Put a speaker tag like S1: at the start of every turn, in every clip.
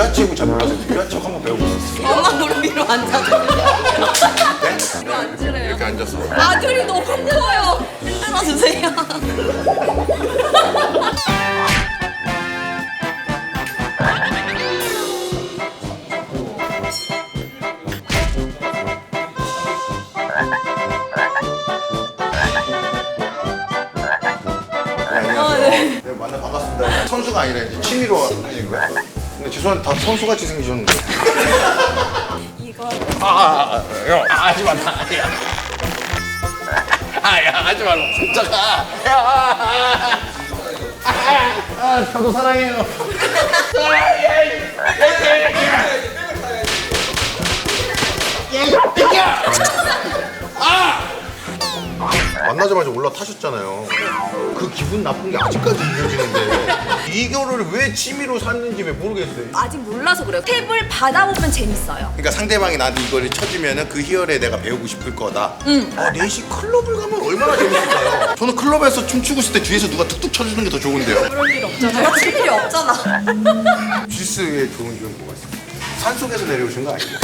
S1: 위아치고 잘 몰라서 위아치고 한번 배우고 있었어.
S2: 엄마 무릎 위로 앉아줘.
S1: 네?
S2: 위로 앉으래요.
S1: 이렇게 앉았어.
S2: 아들이 너무 힘들어요. 흔들어 주세요.
S1: 네, 만나 반갑습니다. 선수가 아니라 이제 취미로 하시는 거야? 근데 죄송한데 다 선수같이 생기셨는데.
S2: 이거
S1: 형, 하지 마, 야. 야, 하지 말라. 진짜가. 저도 사랑해요. 만나자마자 올라타셨잖아요. 그 기분 나쁜 게 아직까지 이어지는데 이거를 왜 취미로 샀는지 왜 모르겠어요.
S2: 아직 몰라서 그래요. 탭을 받아보면 재밌어요.
S1: 그러니까 상대방이 나한테 이거를 쳐주면은 그 희열에 내가 배우고 싶을 거다. 넷이 클럽을 가면 얼마나 재밌을까요? 저는 클럽에서 춤추고 있을 때 뒤에서 누가 툭툭 쳐주는 게 더 좋은데요.
S2: 그럴 일 없잖아요. 같이 일이 없잖아.
S1: 주스의 좋은 점은 뭐가 있어요? 산속에서 내려오신 거 아니에요?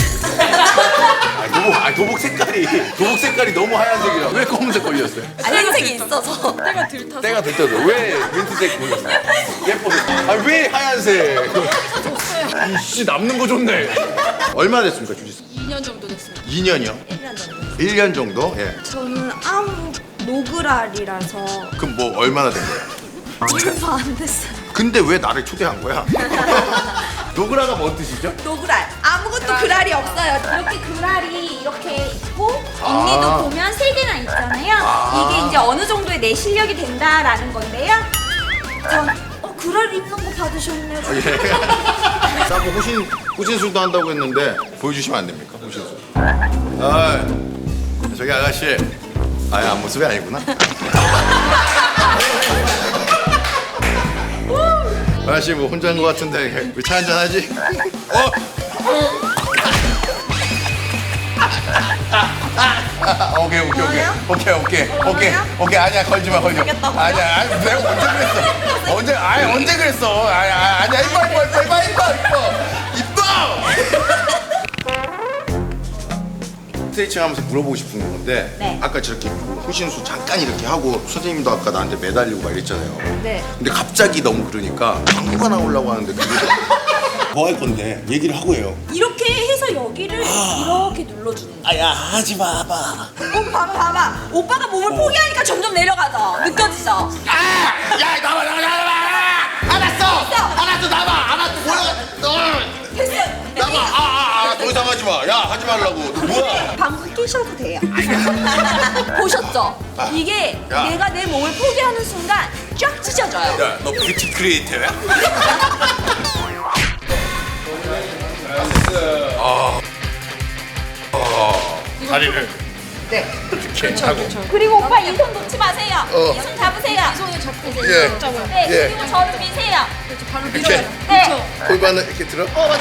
S1: 도복 색깔이 너무 하얀색이라 왜 검은색 걸렸어요?
S2: 하얀색이 있어서.
S1: 때가 들떠서 왜 민트색 걸렸어요? 예뻐서. 왜 하얀색? 이씨 남는 거 좋네. 얼마 됐습니까 주짓수?
S3: 2년 정도 됐습니다.
S1: 2년이요?
S2: 1년 정도.
S1: 1년 정도? 예.
S2: 저는 아무 노그랄이라서
S1: 그럼 뭐 얼마나 된 거예요?
S2: 얼마 안 됐어요.
S1: 근데 왜 나를 초대한 거야? 노그라가 뭔 뜻이죠?
S2: 노그랄. 아무것도 그랄이 없어요. 이렇게 그랄이 이렇게 있고 언니도 보면 3개나 있잖아요. 이게 이제 어느 정도의 내 실력이 된다라는 건데요. 전 그랄 입는 거 받으셨네요.
S1: 싸고 호신술도 한다고 했는데 보여주시면 안 됩니까? 호신술. 아, 저기 아가씨. 앞모습이 아니구나. 아가씨 뭐 혼자인 것 같은데 왜 차 한잔 하지? 오케이 아니야 걸지 마 아니야 내가 언제 그랬어 아니야 이뻐 스트레칭 하면서 물어보고 싶은 건데
S2: 네.
S1: 아까 저렇게 호신수 잠깐 이렇게 하고 선생님도 아까 나한테 매달리고 막 이랬잖아요.
S2: 네.
S1: 근데 갑자기 너무 그러니까 광고가 나오려고 하는데 뭐 할 건데 얘기를 하고 해요.
S2: 이렇게 해서 여기를 이렇게 눌러주는 거예요.
S1: 야 하지 마봐.
S2: 봐봐. 오빠가 몸을 포기하니까 점점 내려가죠. 느껴지죠?
S1: 야 나와 알았어 나와 뭐야
S2: 됐어요.
S1: 나와 더 이상 하지 마야 하지 말라고 너 뭐야.
S2: 방구 끼셔도 돼요. 보셨죠? 이게
S1: 야.
S2: 내가 내 몸을 포기하는 순간 쫙 찢어져요.
S1: 야 너 뷰티 크리에이터야? 다리를
S2: 네.
S1: 이렇게 하고
S2: 그리고 오빠 이 손 놓지 마세요. 이 손 잡으세요.
S3: 손을 잡고
S1: 예.
S3: 잡아요.
S2: 네.
S1: 예.
S2: 그리고 저를 미세요.
S3: 그렇죠. 발로
S1: 이렇게?
S3: 밀어요.
S2: 네.
S3: 그렇죠.
S1: 골반을 이렇게 들어?
S3: 하면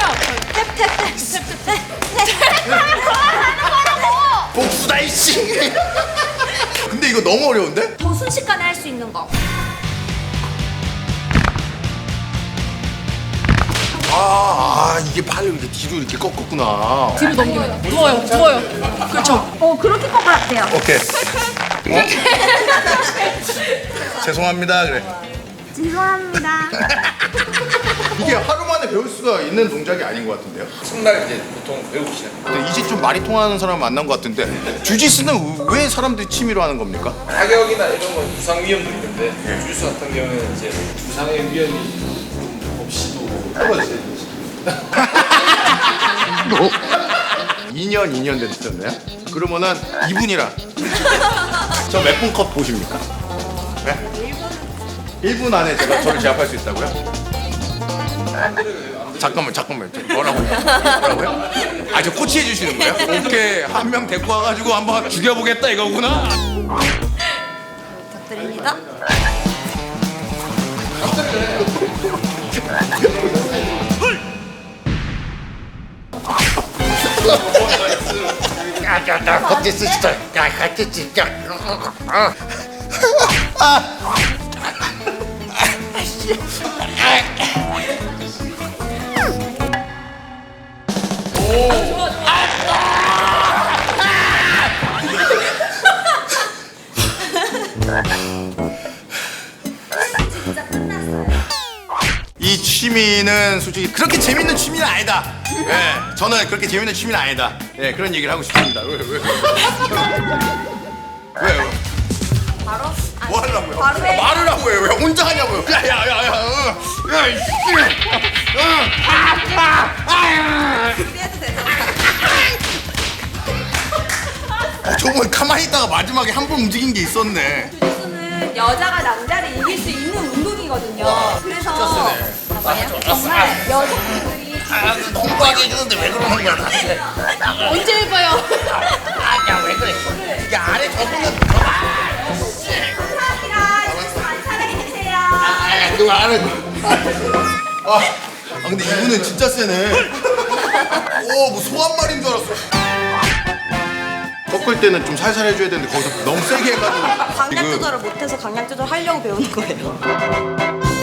S1: 복수다 이씨. 근데 이거 너무 어려운데?
S2: 더 순식간에 할 수 있는 거.
S1: 이게 팔을 이렇게 뒤로 이렇게 꺾었구나.
S3: 뒤로 넘겨요. 누워요. 그렇죠.
S2: 그렇게 것 같아요.
S1: 오케이. 죄송합니다. 그래.
S2: 죄송합니다.
S1: 이게 하루 만에 배울 수가 있는 동작이 아닌 것 같은데요?
S4: 첫날 이제 보통 배우기 시작.
S1: 근데 이제 좀 말이 통하는 사람 만난 것 같은데 주짓수는 왜 사람들이 취미로 하는 겁니까?
S4: 타격이나 이런 건 부상 위험도 있는데 주짓수 같은 경우는 이제 부상의 위험이 좀 없이도 떨어져요.
S1: 2년 됐었나요? 그러면은 2분이라 저 몇 분 컷 보십니까? 네? 1분 안에 저를 제압할 수 있다고요? 잠깐만 뭐라고요? 저 코치해 주시는 거예요? 오케이 한 명 데리고 와가지고 한번 죽여보겠다 이거구나.
S2: 부탁드립니다.
S1: 같이 진짜 같이 진짜
S2: 진짜 끝났어요.
S1: 이 취미는 솔직히 그렇게 재밌는 취미는 아니다. 예, 저는 그렇게 재밌는 취미는 아니다. 예, 그런 얘기를 하고 싶습니다. 왜? 왜요?
S2: 바로? 아니,
S1: 뭐 하려고요?
S2: 바로 해.
S1: 말을 하고 해요. 왜 혼자 하냐고요? 야야야야.
S2: 그래도 되잖아.
S1: 저번 가만히 있다가 마지막에 한 번 움직인 게 있었네.
S2: 주짓수는 여자가 남자를 이길 수 있는 운동이거든요. 그래서 봐봐요. 정말 여성분들이
S1: 공부하게 해주는데 왜 그러는 거야 나한테?
S3: 언제 해봐요?
S1: 야왜 그래? 야 아래 저분은
S2: 감사합니다. 주짓수 많이 사랑해주세요.
S1: 그거 안 해. 근데 이분은 진짜 세네. 뭐 소 한 마리인 줄 알았어. 꺾을 때는 좀 살살 해줘야 되는데 거기서 너무 세게 해가지고
S5: 강약 조절을 못해서 강약 조절 하려고 배우는 거예요.